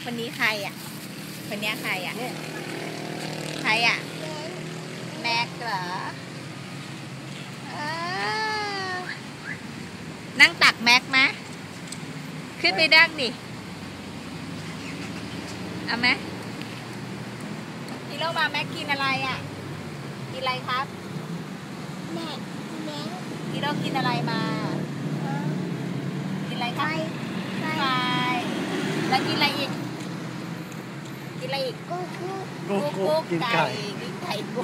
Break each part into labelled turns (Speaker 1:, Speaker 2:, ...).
Speaker 1: คนนี้ใครอ่ะคนนี้ใครอ่ะใครอ่ะแม็กเหรอนั่งตักแม็กมะขึ้นไปดักดิเอาไหมฮีโร่มาแม็กกินอะไรอ่ะกินอะไรครับ
Speaker 2: แม่
Speaker 1: ฮีโร่กินอะไรมากินอะไรครับไก่แล้วกินอะไรอีกกินอะไรอีก
Speaker 2: กุ๊
Speaker 1: กกินไก่กินไก่กุ๊ก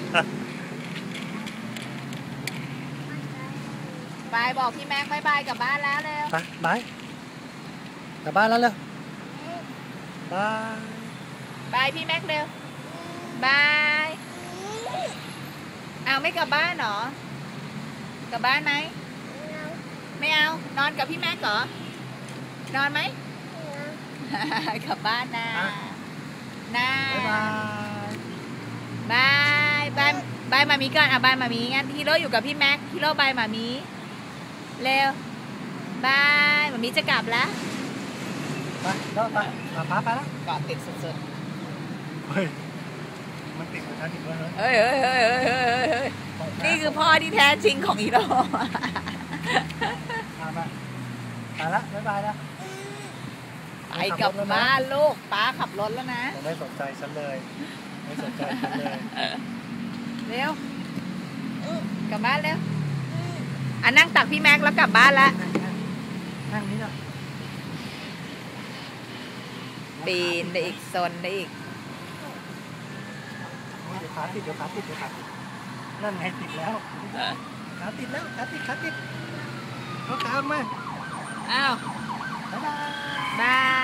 Speaker 1: บายบอกพี่แม็กบายกลับบ้านแล้วเร็ว
Speaker 3: บายกลับบ้านแล้วเร็วบาย
Speaker 1: บายพี่แม็กเร็วบายเอาไม่กลับบ้านเหรอกลับบ้านไหมไม่เอานอนกับพี่แม็กเหรอนอนไหมกลับบ้านนะบายมามีก่อนบายมามีงั้นฮีโร่อยู่กับพี่แม็กฮีโร่บายมามีเร็วบายมามีจะกลับแล้ว
Speaker 3: ไปแล้วไปพาไปแล้ว
Speaker 1: เกาะติดสุด
Speaker 3: ๆเฮ้ยมันติดกับฉันอีกแล้ว
Speaker 1: เฮ้ยนี่คือพ่อที่แท้จริงของฮีโร่
Speaker 3: ไปละบ๊ายบายนะ
Speaker 1: ไปกลับบ้านลูกป้าขับรถแล้วนะ
Speaker 3: ไม่สนใจฉันเลยไม่สนใจฉันเลย
Speaker 1: เร็วกลับบ้านเร็วนั่งตักพี่แม็กแล้วกลับบ้านละ
Speaker 3: นั่งนี้นะ
Speaker 1: ปีนได้อีกโซนได้อีก
Speaker 3: เดี๋ยวขาติดนั่นไงติดแล้วขาติดเขาตามมา
Speaker 1: อ้าว
Speaker 3: บ๊ายบาย
Speaker 1: บาย